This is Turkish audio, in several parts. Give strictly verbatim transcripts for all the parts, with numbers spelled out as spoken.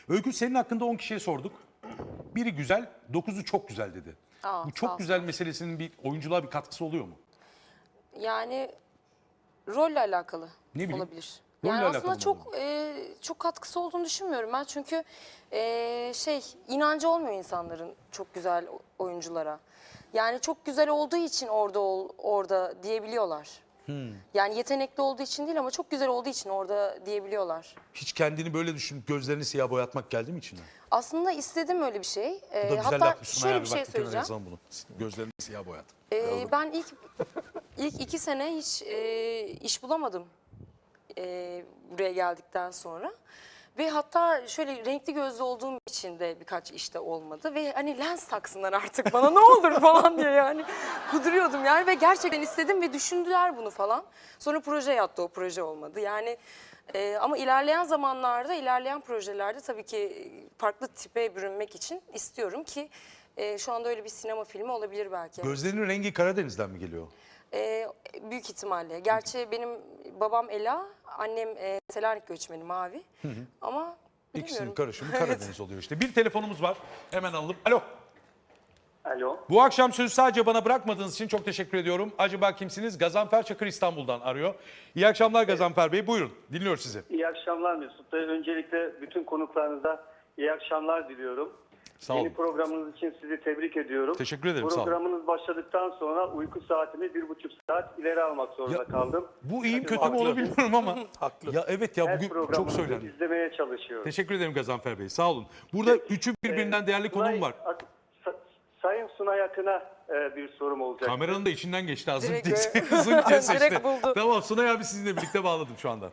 Öykü, senin hakkında on kişiye sorduk. Biri güzel, dokuzu çok güzel dedi. Aa, Bu sağ çok ol. güzel meselesinin bir oyunculuğa bir katkısı oluyor mu? Yani rolle alakalı Ne bileyim, olabilir. rolle Yani alakalı aslında mı çok e, çok katkısı olduğunu düşünmüyorum ben. Çünkü e, şey inancı olmuyor insanların çok güzel oyunculara. Yani çok güzel olduğu için orada ol, orada diyebiliyorlar. Hmm. Yani yetenekli olduğu için değil ama çok güzel olduğu için orada diyebiliyorlar. Hiç kendini böyle düşünüp gözlerini siyah boyatmak geldi mi içine? Aslında istedim öyle bir şey. Bu da E, güzel hatta yapmışsın. şöyle Abi, bir bak, şey kenara söyleyeceğim. yazalım bunu. Gözlerini siyah boyat. Ee, ben ilk ilk iki sene hiç e, iş bulamadım e, buraya geldikten sonra. Ve hatta şöyle renkli gözlü olduğum için de birkaç işte olmadı. Ve hani lens taksınlar artık bana ne olur falan diye yani kuduruyordum yani. Ve gerçekten istedim ve düşündüler bunu falan. Sonra proje yattı, o proje olmadı. Yani e, ama ilerleyen zamanlarda, ilerleyen projelerde tabii ki farklı tipe bürünmek için istiyorum ki... E, şu anda öyle bir sinema filmi olabilir belki. Gözlerinin rengi Karadeniz'den mi geliyor? E, büyük ihtimalle. Gerçi benim babam Ela, annem e, Selanik göçmeni Mavi. Hı hı. Ama İkisinin bilmiyorum. karışımı Karadeniz oluyor işte. Bir telefonumuz var. Hemen alalım. Alo. Alo. Bu akşam sözü sadece bana bırakmadığınız için çok teşekkür ediyorum. Acaba kimsiniz? Gazanfer Çakır İstanbul'dan arıyor. İyi akşamlar Gazanfer Bey. Buyurun. Dinliyoruz sizi. İyi akşamlar Mesut Bey. Öncelikle bütün konuklarınıza iyi akşamlar diliyorum. Sağ olun. Yeni programınız için sizi tebrik ediyorum. Teşekkür ederim, sağ olun. Programınız başladıktan sonra uyku saatimi bir buçuk saat ileri almak zorunda Ya, kaldım. Bu iyiyim Tabii kötü mü haklı. onu bilmiyorum ama. Haklı. Ya evet ya, Her bugün çok programınızı söylendi. izlemeye çalışıyorum. Teşekkür ederim Gazanfer Bey. Sağ olun. Burada üçü birbirinden değerli Sunay- konuğum var. Sa- Sayın Sunay Akın'a e, bir sorum olacak. Kameranın da içinden geçti az Direkt, önce. e, Zınk diye seçti. direkt buldu. Tamam, Sunay abi sizinle birlikte bağladım şu anda.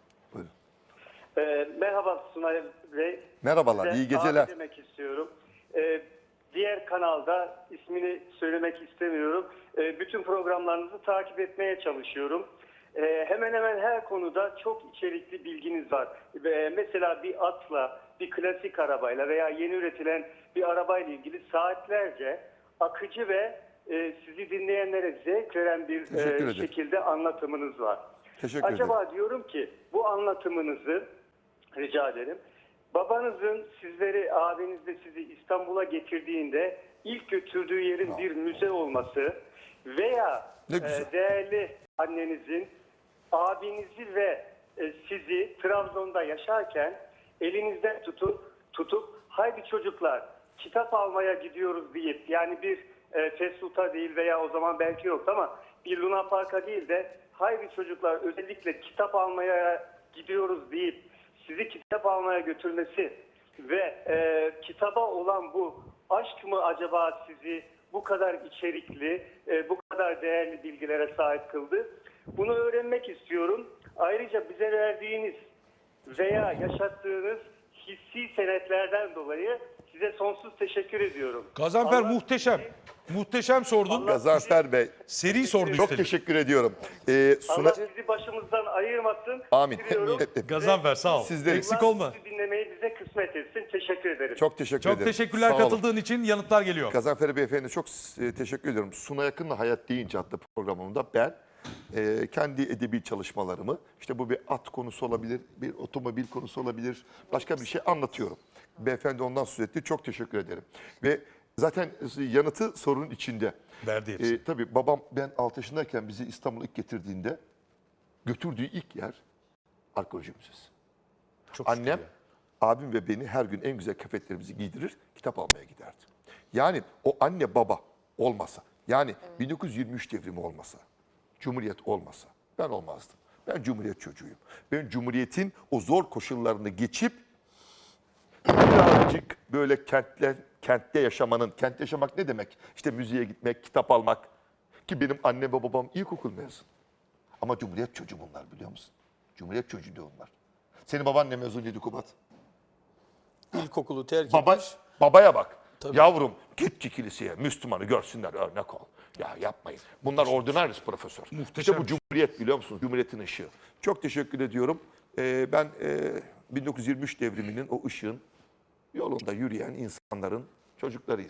E, merhaba Sunay Bey. Merhabalar, Size iyi geceler. abi demek istiyorum. Ee, diğer kanalda ismini söylemek istemiyorum. Ee, bütün programlarınızı takip etmeye çalışıyorum. Ee, hemen hemen her konuda çok içerikli bilginiz var. Ee, mesela bir atla, bir klasik arabayla veya yeni üretilen bir arabayla ilgili saatlerce akıcı ve e, sizi dinleyenlere zevk veren bir Teşekkür e, ederim. şekilde anlatımınız var. Teşekkür Acaba ederim. diyorum ki bu anlatımınızı rica ederim. Babanızın sizleri, abiniz de sizi İstanbul'a getirdiğinde ilk götürdüğü yerin bir müze olması veya Ne güzel. e, değerli annenizin abinizi ve e, sizi Trabzon'da yaşarken elinizden tutup tutup haydi çocuklar kitap almaya gidiyoruz deyip, yani bir e, fast food'a değil veya o zaman belki yoktu ama bir Luna Park'a değil de haydi çocuklar özellikle kitap almaya gidiyoruz deyip sizi kitap almaya götürmesi ve e, kitaba olan bu aşk mı acaba sizi bu kadar içerikli, e, bu kadar değerli bilgilere sahip kıldı? Bunu öğrenmek istiyorum. Ayrıca bize verdiğiniz veya yaşattığınız hissi senetlerden dolayı size sonsuz teşekkür ediyorum. Gazanfer Allah muhteşem. sizi- Muhteşem sordun. Allah Gazanfer Bey, Seri sordu çok üstelik. teşekkür ediyorum. Ee, Suna... Allah sizi başımızdan ayırmasın. Amin. Diliyorum. Hep- hep- Gazanfer sağ ol. Sizleri- Eksik Allah olma. sizi dinlemeyi bize kısmet etsin. Teşekkür ederim. Çok teşekkür Çok ederim. teşekkürler Sağ olun. katıldığın için. Yanıtlar geliyor. Gazanfer Beyefendi çok e, teşekkür ediyorum. Suna Yakın'la Hayat Deyince adlı programımda ben e, kendi edebi çalışmalarımı, işte bu bir at konusu olabilir, bir otomobil konusu olabilir, başka bir şey anlatıyorum. Beyefendi ondan söz etti. Çok teşekkür ederim. Ve zaten yanıtı sorunun içinde. Verdi hepsi. E, tabii babam ben altı yaşındayken bizi İstanbul'a ilk getirdiğinde götürdüğü ilk yer arkeoloji müzesi. Çok şükür Annem, ya. abim ve beni her gün en güzel kıyafetlerimizi giydirir, kitap almaya giderdi. Yani o anne baba olmasa, yani bin dokuz yüz yirmi üç devrimi olmasa, Cumhuriyet olmasa ben olmazdım. Ben Cumhuriyet çocuğuyum. Ben Cumhuriyet'in o zor koşullarını geçip birazcık böyle kentler, kentte yaşamanın, kentte yaşamak ne demek? İşte müziğe gitmek, kitap almak. Ki benim annem ve babam ilkokul mezun. Ama Cumhuriyet çocuğu bunlar, biliyor musun? Cumhuriyet çocuğu diyor onlar. Senin baban ne mezunuydu Kubat? İlkokulu terk Baba, etmiş. babaya bak. Tabii. Yavrum git ki kiliseye, Müslümanı görsünler, örnek ol. Ya yapmayın. Bunlar ordinaris profesör. Muhteşem. İşte bu Cumhuriyet, biliyor musunuz? Cumhuriyetin ışığı. Çok teşekkür ediyorum. Ee, ben e, bin dokuz yüz yirmi üç devriminin o ışığın yolunda yürüyen insanların çocuklarıyız.